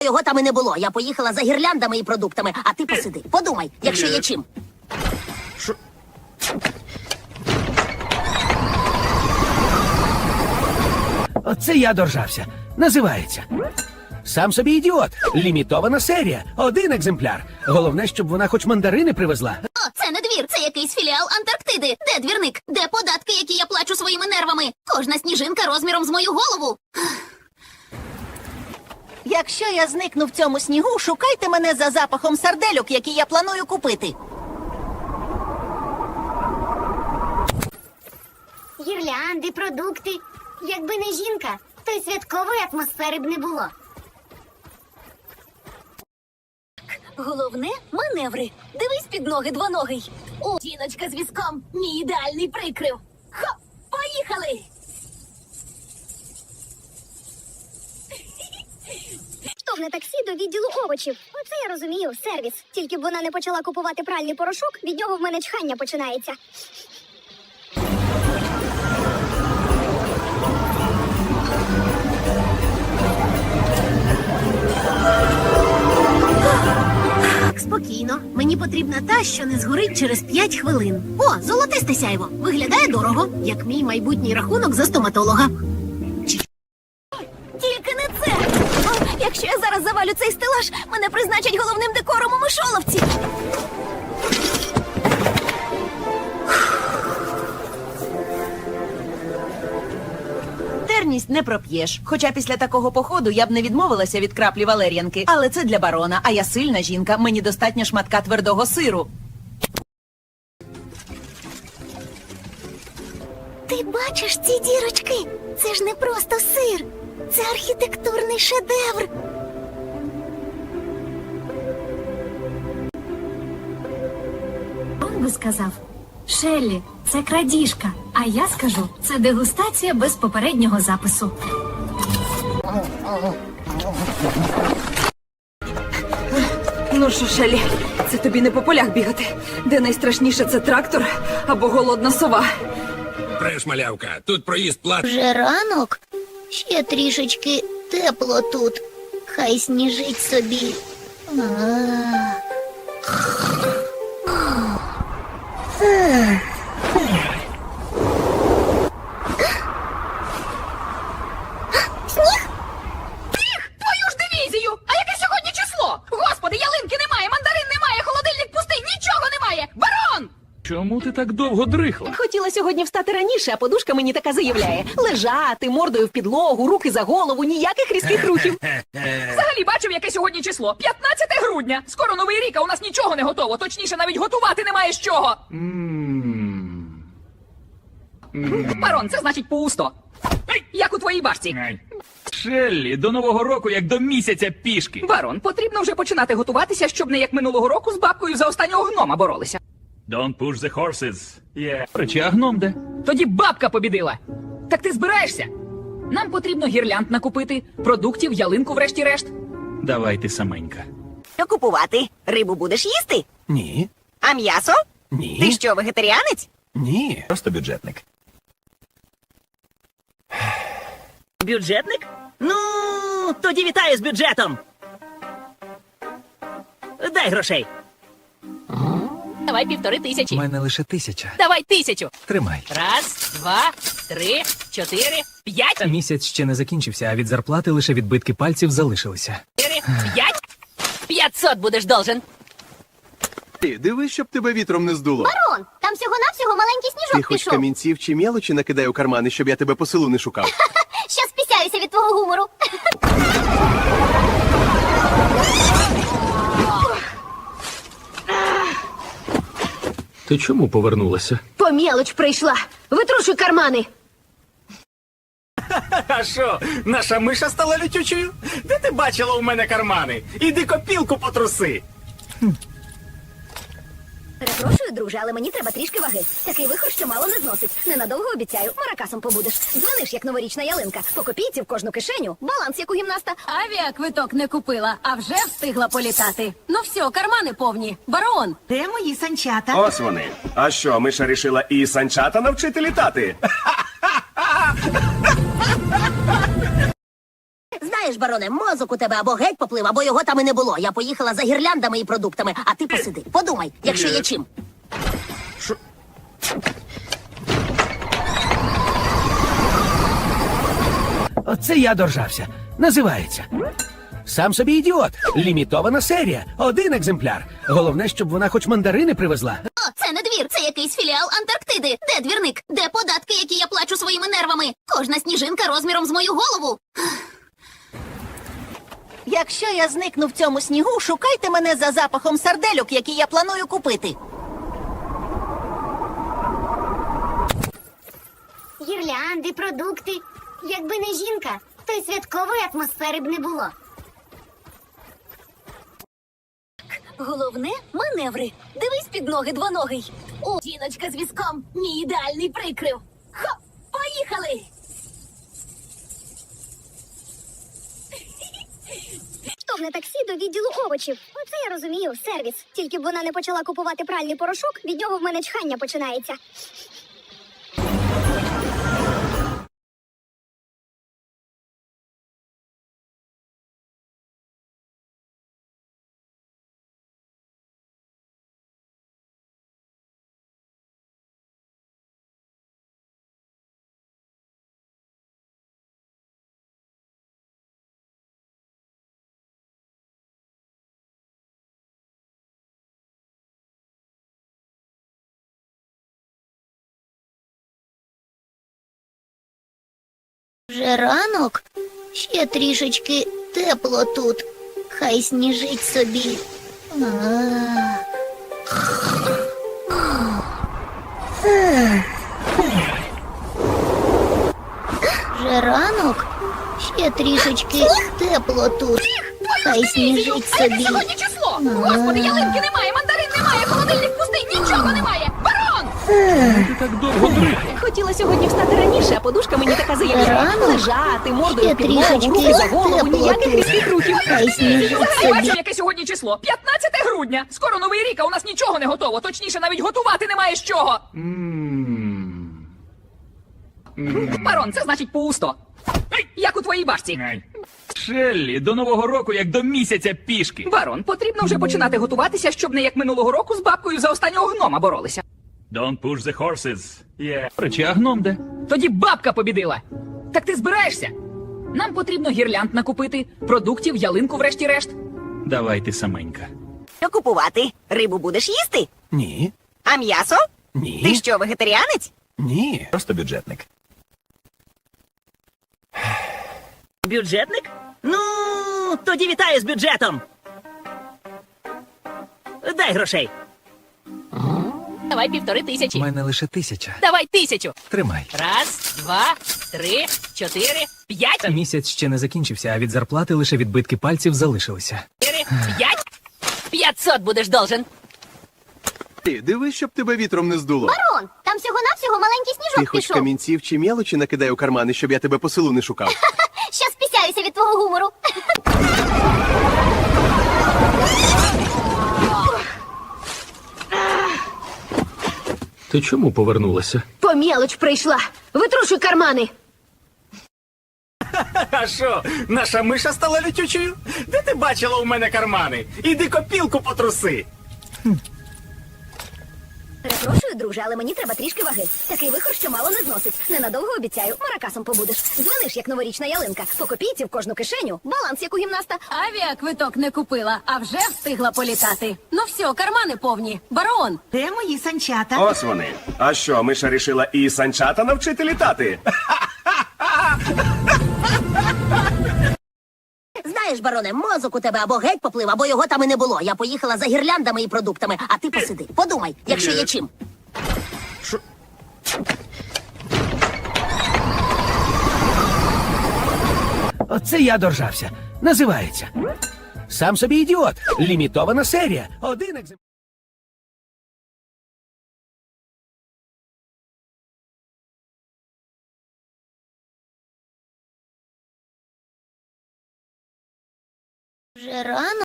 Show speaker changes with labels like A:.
A: Його там і не було. Я поїхала за гірляндами і продуктами, а ти посиди. Подумай, якщо є чим.
B: Що?
C: Оце я доржався. Називається. Сам собі ідіот. Лімітована серія. Один екземпляр. Головне, щоб вона хоч мандарини привезла.
D: О, це не двір, це якийсь філіал Антарктиди. Де двірник? Де податки, які я плачу своїми нервами? Кожна сніжинка розміром з мою голову.
A: Якщо я зникну в цьому снігу, шукайте мене за запахом сардельок, які я планую купити.
E: Гірлянди, продукти. Якби не жінка, то й святкової атмосфери б не було.
D: Головне – маневри. Дивись під ноги двоногий. О, жіночка з візком. Мій ідеальний прикрив. Хоп, поїхали!
E: Штовхне таксі до відділу овочів. Оце я розумію, сервіс. Тільки б вона не почала купувати пральний порошок, від нього в мене чхання починається.
A: Спокійно. Мені потрібна та, що не згорить через 5 хвилин. О, золотисте сяйво. Виглядає дорого, як мій майбутній рахунок за стоматолога.
D: Тільки не це! О, якщо я зараз завалю цей стелаж, мене призначать головним декором у мишоловці.
F: Терність не проп'єш. Хоча після такого походу я б не відмовилася від краплі валер'янки. Але це для барона, а я сильна жінка, мені достатньо шматка твердого сиру.
E: Ти бачиш ці дірочки? Це ж не просто сир. Це архітектурний шедевр.
G: Он би сказав: Шеллі, це крадіжка. А я скажу, це дегустація без попереднього запису.
F: Ну що, Шелі, це тобі не по полях бігати. Де найстрашніше — це трактор або голодна сова.
B: Треш, малявка, тут проїзд платний.
E: Вже ранок? Ще трішечки тепло тут. Хай сніжить собі.
F: Твою ж дивізію! А яке сьогодні число? Господи, ялинки немає, мандарин немає, холодильник пустий, нічого немає! Барон!
H: Чому ти так довго дрихла?
F: Хотіла сьогодні встати раніше, а подушка мені така заявляє. Лежати, мордою в підлогу, руки за голову, ніяких різких рухів.
I: Взагалі бачив, яке сьогодні число? 15 грудня. Скоро Новий рік, а у нас нічого не готово. Точніше, навіть готувати немає з чого. Барон, це значить пусто. Як у твоїй башці.
H: Шеллі, до Нового року як до місяця пішки.
I: Барон, потрібно вже починати готуватися, щоб не як минулого року з бабкою за останнього гнома боролися.
H: Don't push the horses. Речі, а гном де?
I: Тоді бабка побідила. Так ти збираєшся? Нам потрібно гірлянд накупити, продуктів, ялинку врешті-решт.
H: Давай ти саменька.
A: Що купувати? Рибу будеш їсти?
C: Ні.
A: А м'ясо?
C: Ні.
A: Ти що, вегетаріанець?
C: Ні. Просто бюджетник.
A: Бюджетник? Ну, тоді вітаю з бюджетом. Дай грошей.
I: Давай 1500.
C: У мене лише 1000.
I: Давай 1000.
C: Тримай.
I: Раз, два, три, 4, 5,
J: Місяць ще не закінчився, а від зарплати лише відбитки пальців залишилися.
I: 4, 5. 500 будеш должен.
K: Дивись, щоб тебе вітром не здуло.
E: Барон, там всього-навсього маленький
K: Ти
E: сніжок
K: хоч
E: пішов.
K: камінців чи мелочі накидай у кармани, щоб я тебе по селу не шукав.
E: Щас пісяюся від твого гумору.
J: Ти чому повернулася?
D: По мелоч прийшла. Витрушуй кармани.
C: А що, наша миша стала лютючою? Де ти бачила у мене кармани? Іди копілку потруси.
D: Перепрошую, друже, але мені треба трішки ваги. Такий вихор, що мало не зносить. Ненадовго обіцяю, маракасом побудеш. Дзвониш, як новорічна ялинка. По копійці в кожну кишеню. Баланс, як у гімнаста.
G: Авіаквиток не купила, а вже встигла політати. Ну все, кармани повні. Барон!
A: Де мої санчата?
K: Ось вони. А що, миша рішила і санчата навчити літати?
A: Знаєш,
D: Знаєш, бароне, мозок у тебе або геть поплив, або його там і не було. Я поїхала за гірляндами і продуктами, а ти посиди. Подумай, якщо є чим.
C: Оце я доржався. Називається. Сам собі ідіот. Лімітована серія. Один екземпляр. Головне, щоб вона хоч мандарини привезла.
A: О, це не двір, це якийсь філіал Антарктиди. Де двірник? Де податки, які я плачу своїми нервами? Кожна сніжинка розміром з мою голову.
F: Якщо я зникну в цьому снігу, шукайте мене за запахом сардельок, які я планую купити.
E: Гірлянди, продукти. Якби не жінка, то й святкової атмосфери б не було.
D: Головне – маневри. Дивись під ноги двоногий. О, жіночка з візком. Мій ідеальний прикрив. Хоп, поїхали!
E: Штовхне таксі до відділу овочів. Оце я розумію, сервіс. Тільки б вона не почала купувати пральний порошок, від нього в мене чхання починається. Вже ранок? Ще трішечки тепло тут. Хай сніжить собі. Вже ранок? Ще трішечки тепло тут. Хай сніжить
I: А яке
E: собі.
I: сьогодні число? Господи, ялинки немає, мандарин немає, холодильник пустий, нічого немає. Барон!
H: Ти так довго дрих.
F: Хотіла сьогодні встати раніше, а подушка мені така заявила.
E: Рано?
F: Лежати, мордою
E: Ще
F: в підлогу,
E: трішечки
F: руки за голову,
E: тепло
F: ніяких
E: тут.
F: різких рухів.
E: Хай сніжить
I: Взагалі бачив,
E: собі.
I: яке сьогодні число? 15 грудня. Скоро новий рік, а у нас нічого не готово. Точніше, навіть готувати немає з чого. Барон, це значить пусто. Як у твоїй башці.
H: Шеллі, до Нового року як до місяця пішки.
I: Барон, потрібно вже починати готуватися, щоб не як минулого року з бабкою за останнього гнома боролися.
H: Don't push the horses. Речі, а гном де?
I: Тоді бабка побідила. Так ти збираєшся? Нам потрібно гірлянд накупити, продуктів, ялинку врешті-решт.
H: Давай ти саменька.
F: Що купувати? Рибу будеш їсти?
C: Ні.
F: А м'ясо?
C: Ні.
F: Ти що, вегетаріанець?
C: Ні.
J: Просто бюджетник.
F: Бюджетник? Ну, тоді вітаю з бюджетом. Дай грошей.
I: Давай 1500.
J: У мене лише 1000.
I: Давай 1000.
J: Тримай.
I: Раз, два, три, 4, 5,
J: Місяць ще не закінчився, а від зарплати лише відбитки пальців залишилися.
I: 4, 5. 500 будеш должен.
K: Ти дивись, щоб тебе вітром не здуло.
E: Барон, там всього-навсього маленький
K: Ти
E: сніжок
K: хоч
E: пішов.
K: камінців чи мелочі накидай у кармани, щоб я тебе по селу не шукав.
E: Щас пісяюся від твого гумору.
J: Ти чому повернулася?
A: По мелоч прийшла. Витрушуй кармани.
L: А що, наша миша стала лютючою? Де ти бачила у мене кармани? Іди копілку потруси.
D: Перепрошую, друже, але мені треба трішки ваги. Такий вихор, що мало не зносить. Ненадовго обіцяю, маракасом побудеш. Дзвониш, як новорічна ялинка. По копійці в кожну кишеню. Баланс, як у гімнаста.
G: Авіаквиток не купила, а вже встигла політати. Ну все, кармани повні. Барон!
F: Де мої санчата?
K: Ось вони. А що, миша рішила і санчата навчити літати?
D: Знаєш, бароне, мозок у тебе або геть поплив, або його там і не було. Я поїхала за гірляндами і продуктами, а ти посиди. Подумай, якщо є чим.
C: Оце я доржався. Називається. Сам собі ідіот. Лімітована серія. Один екземпляр.
E: Вже рано?